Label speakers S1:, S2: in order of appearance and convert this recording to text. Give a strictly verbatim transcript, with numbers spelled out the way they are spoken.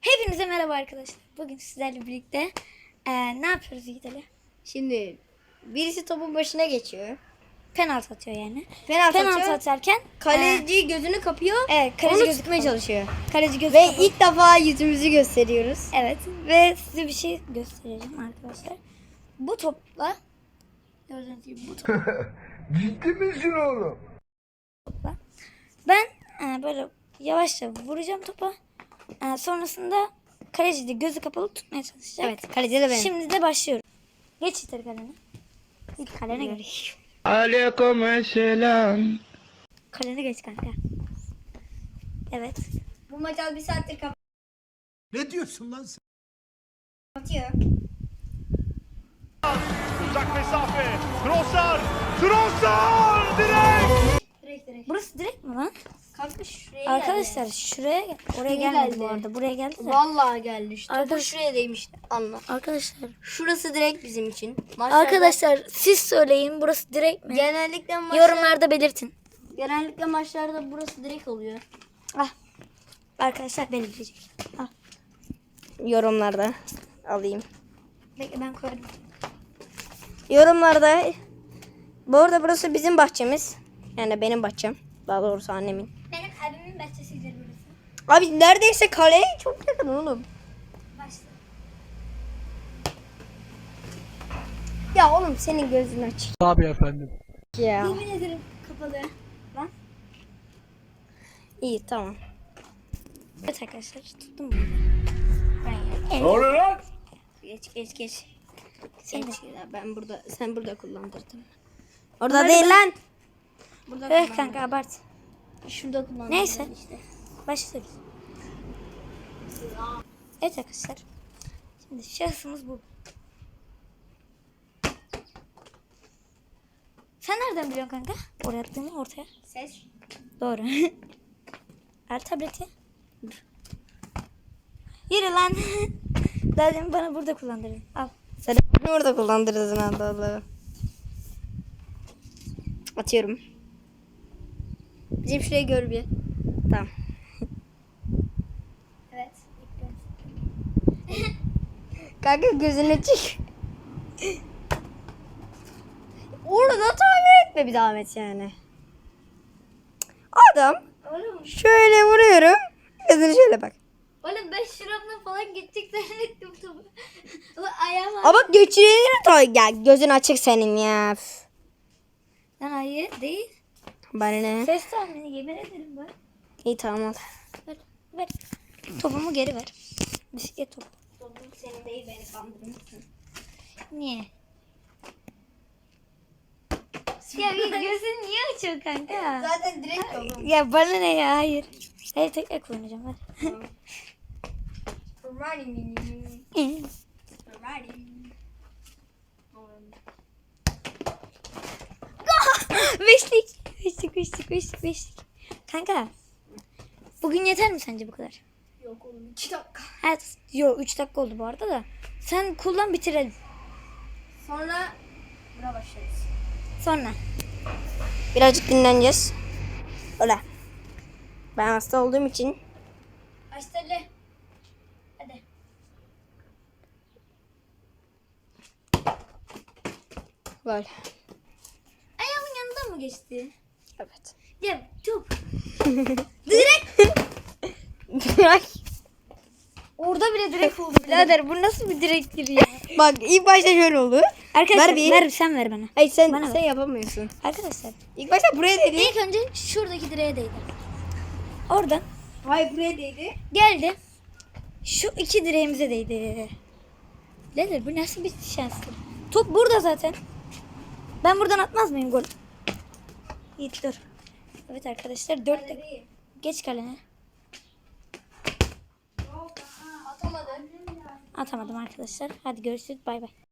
S1: Hepinize merhaba arkadaşlar. Bugün sizlerle birlikte e, ne yapıyoruz Yiğit Ali?
S2: Şimdi birisi topun başına geçiyor.
S1: Penaltı atıyor yani.
S2: Penaltı,
S1: Penaltı
S2: atıyor.
S1: atarken
S2: Kaleci e, gözünü kapıyor.
S1: evet, kaleci
S2: onu
S1: gözü
S2: tutmaya
S1: kapalı.
S2: çalışıyor.
S1: Kaleci gözü
S2: Ve
S1: kapalı.
S2: ilk defa yüzümüzü gösteriyoruz.
S1: Evet ve size bir şey göstereceğim arkadaşlar. Bu topla gördüğünüz gibi bu topla
S3: Ciddi misin oğlum?
S1: ben e, böyle yavaşça vuracağım topa. E, sonrasında kaleci de gözü kapalı tutmaya çalışacak.
S2: Evet, kaleci de benim.
S1: Şimdi de başlıyorum. Geç Yiğit Ali kalene. İlk kalene geç.
S3: Aleykümselam.
S1: Kalene geç kanka. Evet.
S2: Bu maç az bir saattir
S3: Ne diyorsun lan sen?
S2: kapatıyor.
S4: Uzak mesafe. Trossard. Trossard direkt.
S2: Direkt direkt.
S1: Burası direkt mi lan?
S2: Kanka şuraya
S1: Arkadaşlar şuraya gel. Oraya
S2: Şuraya
S1: gelmedi
S2: geldi.
S1: bu arada. Buraya geldi de.
S2: Vallahi geldi işte. Topu
S1: Arkadaş-
S2: şuraya değmişti. Anla.
S1: Arkadaşlar.
S2: Şurası direkt bizim için. Maçlarda
S1: Arkadaşlar siz söyleyin burası direkt mi?
S2: genellikle maçlar,
S1: Yorumlarda belirtin.
S2: genellikle maçlarda burası direkt oluyor.
S1: Ah. Arkadaşlar belirleyecek. Ah.
S2: Yorumlarda alayım.
S1: Bekle ben koyarım.
S2: Yorumlarda. Bu arada burası bizim bahçemiz. Yani benim bahçem. Daha doğrusu annemin.
S1: Benim abimin bahçesidir burası.
S2: Abi neredeyse kaleye çok yakın oğlum.
S1: Başla.
S2: Ya oğlum senin gözün aç.
S3: Tabii efendim.
S2: Ya.
S1: Yemin ederim kapalı. Lan.
S2: İyi tamam.
S1: Evet arkadaşlar tuttum bunu. Ben
S3: Ne oluyor lan?
S2: Geç geç geç.
S1: Sen de.
S2: Geç ya, ben burada sen burada kullandırdın. Orada değil lan. Burada
S1: Evet kanka abart.
S2: Şurada kullandırdın
S1: Neyse.
S2: işte.
S1: Başlıyoruz. Evet arkadaşlar. Şimdi şahsımız bu. Sen nereden biliyorsun kanka? Oraya attığımı ortaya.
S2: Ses.
S1: Doğru. Ver tableti. Yürü lan. Daha demin bana burada kullandırdın. Al.
S2: Sen bunu orada kullandırdın Allah Allah. Atıyorum. Bizim şurayı gör bir. Tamam.
S1: Evet.
S2: Kanka gözüne çık. Orada tahmin etme bir daha et yani. Adam
S1: Oğlum,
S2: şöyle vuruyorum. Gözüne şöyle bak.
S1: oğlum ben şuramla falan gidecek zannettim topu. Ulan ayağım
S2: Ama bak geçirir ta ya gözün açık senin ya. Üf.
S1: Lan hayır değil.
S2: Bana ne?
S1: Ses tahmini yemin ederim ben.
S2: İyi tamam al.
S1: Ver, ver. Topumu geri ver. Bisiklet topu.
S2: Topum senin değil beni kandırmışsın.
S1: Niye? Ya bir gözün niye açıyor kanka?
S2: Zaten direkt oğlum.
S1: Ya bana ne ya hayır. Hayır tekrar kullanacağım ver. Beşlik. Beşlik beşlik beşlik beşlik. Kanka. Bugün yeter mi sence bu kadar?
S2: Yok oğlum iki dakika.
S1: Evet. Yok üç dakika oldu bu arada da. Sen kullan bitirelim.
S2: Sonra buna başlarız.
S1: Sonra.
S2: Birazcık dinleneceğiz. Öyle. Ben hasta olduğum için.
S1: Başladı. Hadi.
S2: Böyle.
S1: Ayağımın yanından mı geçti?
S2: Evet.
S1: Ya çok.
S2: Bırak.
S1: Orada bile direkt oldu birader. Bu nasıl bir direktir ya?
S2: Bak ilk başta şöyle oldu.
S1: Arkadaşlar
S2: Ver bir.
S1: ver sen ver bana.
S2: Hayır sen
S1: Bana
S2: sen yapamıyorsun.
S1: Arkadaşlar
S2: İlk başta buraya değdi.
S1: ilk önce şuradaki direğe değdi. Oradan
S2: Hayır buraya değdi.
S1: geldi. Şu iki direğimize değdi. Birader bu nasıl bir şanslı? Top burada zaten. Ben buradan atmaz mıyım gol? Yiğit dur. Evet arkadaşlar dört dakika. Geç kalene.
S2: Atamadın.
S1: Atamadım arkadaşlar. Hadi görüşürüz bay bay.